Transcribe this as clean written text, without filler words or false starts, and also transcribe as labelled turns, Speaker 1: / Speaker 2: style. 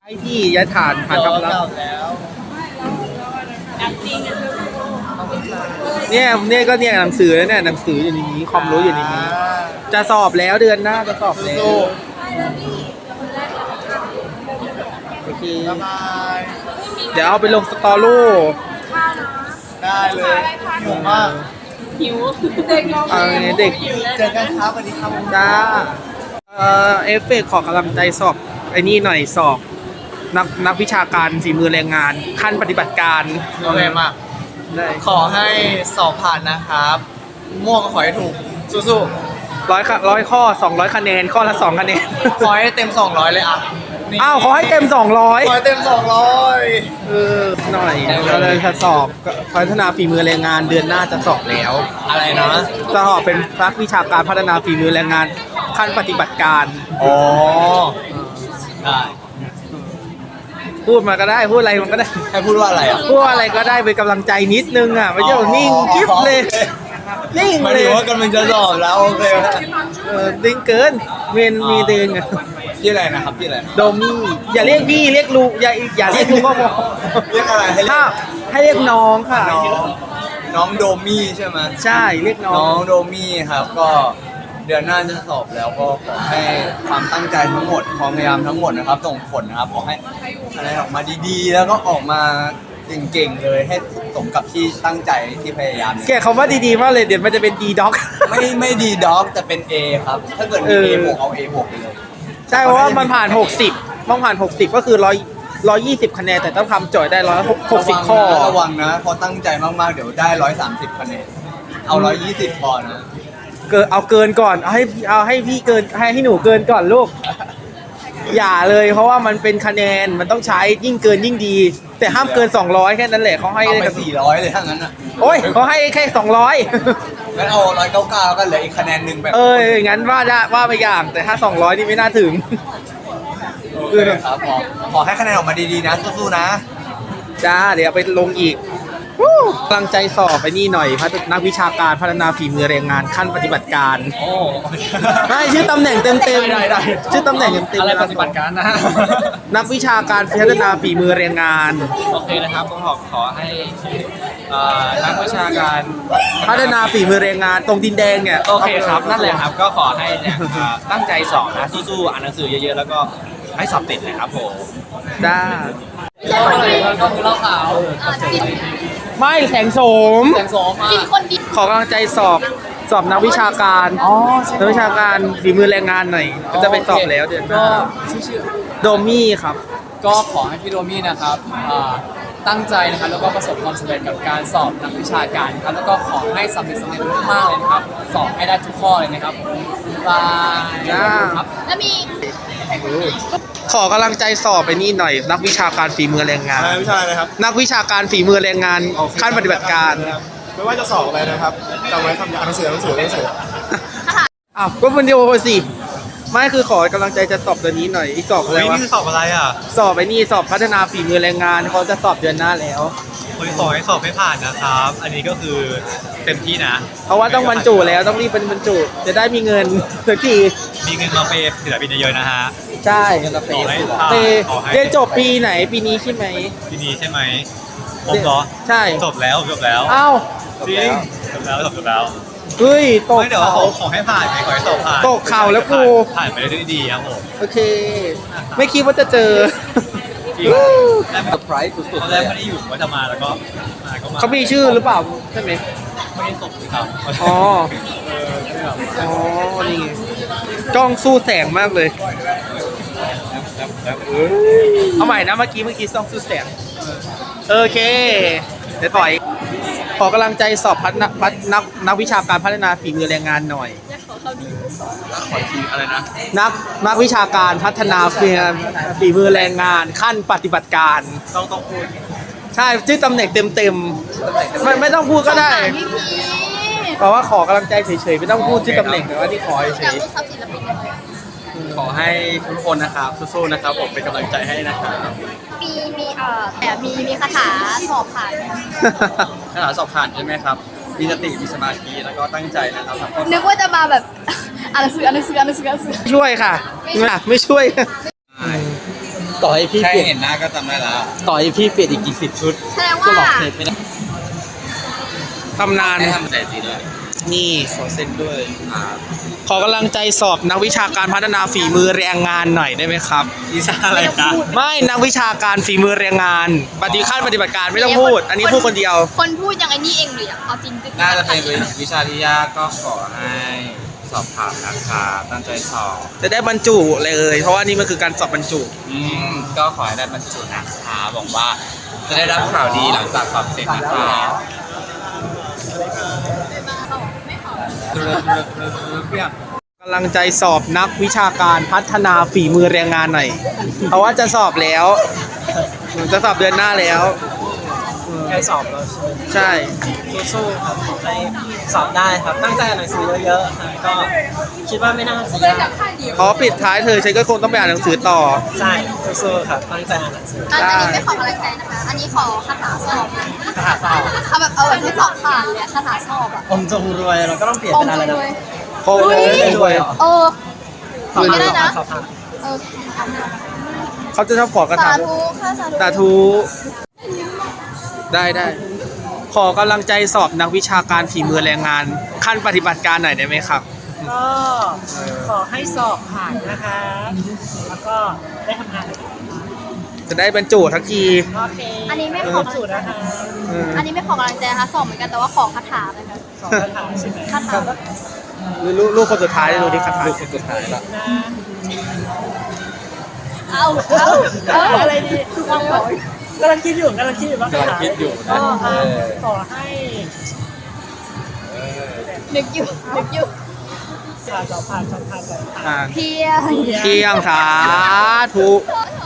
Speaker 1: ไอ้ที่ย้ายฐานกำลังเนี่ยก็เนี่ยหนังสือแล้วเนี่ยหนังสืออยู่ในนี้ความรู้อยู่ในนี้จะสอบแล้วเดือนหน้าจะสอบแล้วโอเคเดี๋ยวเอาไปลงสตอรี่
Speaker 2: ได้เลยหิวมาก
Speaker 3: หิวเด็กน้อง
Speaker 1: เด็ก
Speaker 2: เจอกันครับสวัสดีครับ
Speaker 1: จ้าเอฟเฟกขอกำลังใจสอบไอ้นี่หน่อยสอบนักวิชาการฝีมือแรงงานขั้นปฏิบัติการ
Speaker 2: โอเคมาก
Speaker 1: ได้
Speaker 2: ขอให้สอบผ่านนะครับม่วงก็ขอให้ถูกสู้
Speaker 1: 100 ข้อ200 คะแนนข้อละ2 คะแนน
Speaker 2: ๆขอให้เต็ม200เลยอ่ะนี่
Speaker 1: อ้าวขอให้เต็ม
Speaker 2: ขอ
Speaker 1: 200
Speaker 2: ให้เต็ม200
Speaker 1: หน่อยก็เลยจะสอบพัฒนาฝีมือแรงงานเดือนหน้าจะสอบแล้ว
Speaker 2: อะไรนะ
Speaker 1: จะสอบเป็นนักวิชาการพัฒนาฝีมือแรงงานขั้นปฏิบัติการ
Speaker 2: อ๋อได้
Speaker 1: พูดมาก็ได้พูดอะไรมันก็ได้
Speaker 2: ให้พูดว่าอะไรอ่ะ
Speaker 1: พูดอะไรก็ได้เป็นกำลังใจนิดนึงอ่ะไม่ใช่ว่านิ่งกิ๊บเลยนิ่ง
Speaker 2: หมาย
Speaker 1: เล
Speaker 2: ถึ
Speaker 1: ย
Speaker 2: งว่ากำลังจะสอบแล้วโอเค
Speaker 1: นิ่งเกินมีเดิน
Speaker 2: ที่อะไรนะครับที่อะไร
Speaker 1: โดมี่อย่าเรียกพี่เรียกลุงอย่าเรียกลุงก็พอ
Speaker 2: เรียกอะไรให้เรีย
Speaker 1: ถ้าก ให้เรียกน้องค่ะ
Speaker 2: น้องโดมี่ใช่ไหม
Speaker 1: ใช่เรียกน้อ
Speaker 2: น้อง งโดมี่ครับก็เดือนหน้าจะสอบแล้วก็ขอให้ความตั้งใจทั้งหมดความพยายามทั้งหมดนะครับส่งผลนะครับขอให้อะไรออกมาดีๆ แล้วก็ออกมาเก่งๆเลยให้สมกับที่ตั้งใจที่พยายาม
Speaker 1: แกคำว่าดีๆมากเลยเดี๋ยวมันจะเป็นดีด็อก
Speaker 2: ไม่ดีด็อกแต่เป็น A ครับถ้าเกิดมี A บวกเอา A บวกไปเลย
Speaker 1: ใช่เพราะว่ามันผ่าน60ต้องผ่าน60ก็คือ120 คะแนนแต่ต้องทำโจทย์ได้160 ข้อ
Speaker 2: ระวังนะพอตั้งใจมากๆเดี๋ยวได้130 คะแนนเอา120พอนะ
Speaker 1: เอาเกินก่อนเอาให้พี่เกินให้หนูเกินก่อนลูกอย่าเลยเพราะว่ามันเป็นคะแนนมันต้องใช้ยิ่งเกินยิ่งดี แต่ห้ามเกิน200แค่นั้นแหละเขาให้
Speaker 2: เอาไป400เลยถ้างั้นอ่ะ
Speaker 1: โอ้ยเขาให้แค่200
Speaker 2: งั้นเอา199ก็เหลืออีกคะแนนหนึ่งแบบ
Speaker 1: งั้นว่าไปอย่างแต่ถ้า200นี่ไม่น่าถึง
Speaker 2: โอเคครับขอให้คะแนนออกมาดีๆนะสู้ๆนะ
Speaker 1: จ้าเดี๋ยวเอาไปลงอีกกำลังใจสอบไปนี่หน่อยนักวิชาการพัฒนาฝีมือแรงงานขั้นปฏิบัติการ
Speaker 2: โอ้
Speaker 1: ไม่ชื่อตำแหน่งเต็ม
Speaker 2: ได้
Speaker 1: ชื่อตำแหน่งเต็ม
Speaker 2: อะไรปฏิบัติการนะฮะ
Speaker 1: นักวิชาการพัฒนาฝีมือแรงงาน
Speaker 4: โอเคนะครับก็ขอให้นักวิชาการ
Speaker 1: พัฒนาฝีมือแรงงานตรงดินแดงเนี่ย
Speaker 4: โอเคครับนั่นแหละครับก็ขอให้เนี่ยตั้งใจสอบนะสู้ๆอ่านหนังสือเยอะๆแล้วก็ให้สอบติดนะครับผม
Speaker 1: จ้า
Speaker 2: ก็คือเหล้าขาว
Speaker 1: ไม่แสงโสม
Speaker 2: แสงโสมอ่ะ
Speaker 1: ขอกำลังใจสอบนักวิชาการนักวิชาการฝีมือแรงงานหน่อยก็จะไปสอบแล้วเดือนหน้า
Speaker 2: ชื่อ
Speaker 1: โดมี่ครับ
Speaker 5: ก็ขอให้พี่โดมี่นะครับตั้งใจนะครับแล้วก็ประสบความสำเร็จกับการสอบนักวิชาการนะครับแล้วก็ขอให้สำเร็จมากๆเลยนะครับสอบให้ได้ทุกข้อเลยนะครับบาย
Speaker 1: จ้า
Speaker 5: ครับ
Speaker 3: แล้วมี
Speaker 1: ขอกำลังใจสอบไปนี่หน่อย นักวิชาการฝีมือแรงงาน
Speaker 2: วิชาอะไรครับ
Speaker 1: นักวิชาการฝีมือแรงงานขั้นปฏิบัติการ
Speaker 2: ไม่ว่าจะสอบอะไรนะครับจำไว้คำอ่านหนังสือ
Speaker 1: อ้าวก็มันเดียวสิไม่คือขอกำลังใจจะสอบตัวนี้หน่อยอีกสอบอะไรวะ
Speaker 4: นี่สอบอะไรอ่ะ
Speaker 1: สอบไปนี่สอบพัฒนาฝีมือแรงงานเขาจะสอบเดือนหน้าแล้ว
Speaker 4: ขอให้สอบให้ผ่านนะครับ อันนี้ก็คือเต็มที่นะ
Speaker 1: เพราะว่าต้องบรรจุแล้วต้องรีบเป็นบรรจุจะได้มีเงินสักที
Speaker 4: มีเงินมาเปย์ศิลปินเยอะๆนะฮะ
Speaker 1: ใช่
Speaker 4: ขอให้ผ่าน
Speaker 1: เต
Speaker 4: ขอให้
Speaker 1: เรียนจบปีไหนปีนี้ใช่ไหม
Speaker 4: ทีนี้ใช่ไหมผมเหรอ
Speaker 1: ใช่
Speaker 4: จบแล้วจบแล้ว
Speaker 1: อ้าว
Speaker 4: จริงจบแล้วจบแล้ว
Speaker 1: เฮ้ยตก
Speaker 4: ไม่เดี๋ยว
Speaker 1: เขา
Speaker 4: ขอให้ผ่านไงขอให้สอบผ่าน
Speaker 1: ตกเข่าแล้วกู
Speaker 4: ผ่านไปได้ด้วยดีครับผม
Speaker 1: โอเค ไม่คิดว่าจะเจอ
Speaker 4: จริง
Speaker 2: เซอร์ไพรส์สุด
Speaker 4: ตอนแรกไม่ได้อยู่ว่าจะมาแล้วก็มาก็มา
Speaker 1: เขามีชื่อหรือเปล่าใช่ไหม
Speaker 4: ไม่ได้ส่งเลยครับ
Speaker 1: อ๋อ อ๋อ นี่ไงกล้องสู้แสงมากเลย เอาใหม่นะเมื่อกี้กล้องสู้แสง โอเค เดี๋ยวปล่อย ขอกำลังใจสอบนักวิชาการพัฒนาฝีมือแรงงานหน่อย
Speaker 4: ขอทีอะไรนะ
Speaker 1: นักวิชาการพัฒนาฝีมือแรงงานขั้นปฏิบัติการ
Speaker 4: ต้องพูด
Speaker 1: ใช่ชื่อตำแหน่งเต็มๆไม่ต้องพูดก็ได้
Speaker 3: พี่พี
Speaker 1: เพราะว่าขอกำลังใจเฉยๆไม่ต้องพูดชื่อตำแหน่งแต่ว่าที่ขอเฉ
Speaker 3: อยาก
Speaker 1: ย
Speaker 3: รู้ทรัพย์ศิลปินเลย
Speaker 4: ขอให้ทุกคนนะครับสู้ๆนะครับผมเป็นกำลังใจให้นะครับ
Speaker 3: มีแต่มีคาถาสอบผ่านไหม
Speaker 1: ๆ
Speaker 4: คาถาสอบผ่านใช่ไหมครับ มีสติมีสมาธิแล้วก็ตั้งใจนะครับทำข้อสอบ
Speaker 3: นึกว่าจะมาแบบอ่านหนังสือ
Speaker 1: ช่วยค่ะไม่ช่วยต่อให้พี่
Speaker 2: แค่
Speaker 1: เปลี่ยน
Speaker 2: เห็นหน้าก็จำได้แล้ว
Speaker 1: ต่อให้พี่เปลี่ยนอีกกี่สิบชุด
Speaker 3: แสดง
Speaker 1: ก็
Speaker 3: ว่า
Speaker 1: หลอกเทปไม่ได้ตำนาน
Speaker 2: ได้ทำแต่สีด้วย
Speaker 1: นี่ขอเซ็นด้วย ขอกำลังใจสอบนักวิชาการพัฒนาฝีมือแรงงานหน่อยได้ไหมครับ
Speaker 2: วิชาอะไรครับ
Speaker 1: ไม่นักวิชาการฝีมือแรงงาน ปฏิขั้นปฏิบัติการไม่ต้องพูด อันนี้พูดคนเดียว
Speaker 3: คนพูดอย่างไอ้นี่เองหรือยังเอาจริงๆ
Speaker 4: น่าจะเป็นวิชาที่ยากก็ขอให้สอบผ่านนะคะตั้งใจสอบ
Speaker 1: จะได้บรรจุเลย เพราะว่านี่มันคือการสอบบรรจุ
Speaker 4: ก็ขอให้ได้บรรจุนะคะบอกว่าจะได้รับข่าวดีหลังจากสอบเสร็จนะคะ
Speaker 1: กำลังใจสอบนักวิชาการพัฒนาฝีมือแรงงานหน่อย เพราะว่าจะสอบแล้วจะสอบเดือนหน้าแล้ว
Speaker 6: ใกล้สอบแล้วใช่ไหม
Speaker 1: ใช่
Speaker 6: สู้ๆครับขอให้สอบได้ครับ ตั้งใจอ่านหนังสือเยอะๆครับก็คิดว่าไม่น่าจะยาก
Speaker 1: เพราะปิดท้ายเธอฉันก็คงต้องไปอ่านหนังสือต่อ
Speaker 6: ใช่สู้ๆครับตั้งใจอ่านหนังสือ
Speaker 3: อันนี้ไม่ขอกำลังใจนะคะ อันนี้ขอคาถาสอบ
Speaker 6: คาถาสอบ
Speaker 3: เอาแบบให้สอบผ่านเลยอะคาถาสอบอ่ะ
Speaker 6: อมจงรวยเราก็ต้องเปลี่ยน
Speaker 3: อม
Speaker 6: เป็นอะไร
Speaker 3: จ
Speaker 6: นะ
Speaker 3: งรวย
Speaker 1: คงเลยด้วย
Speaker 3: เออ
Speaker 6: สอบ
Speaker 3: มีก็ได้นะ
Speaker 6: สอบผ่าน
Speaker 3: เออ
Speaker 1: เขาจะชอบขอกระ
Speaker 3: สา
Speaker 1: ถาง
Speaker 3: ธุค่ะสาธุ
Speaker 1: สาธุได้ ขอกำลังใจสอบนักวิชาการฝีมือแรงงาน ขั้นปฏิบัติการหน่อยได้ไหมครับ
Speaker 6: ก็ขอให้สอบผ่านนะคะแล้วก็ได้ทำงาน
Speaker 1: จะได้บรรจุทักที
Speaker 6: โอเค
Speaker 3: อันนี้ไม่ขอ
Speaker 6: สูตรนะคะ
Speaker 1: เออ
Speaker 3: อันนี้ไม่ขอกำลังใจนะคะสอบเหมือนกันแต่ว่าขอคาถาไปค่ะ
Speaker 6: สอบคาถาใช่ไหม
Speaker 3: คาถา
Speaker 1: ลูกคนสุดท้ายดูที่คาถาลูกคนสุดท้ายละ
Speaker 6: นะ
Speaker 3: เอา
Speaker 6: อะไรดีวางบอกกำลังคิดอยู่ว่าคาถาก็ขอให้
Speaker 3: นึกอยู่
Speaker 6: สอบผ่าน
Speaker 1: อ่า
Speaker 3: เพียง
Speaker 1: เที่ยงสาธุ
Speaker 3: ส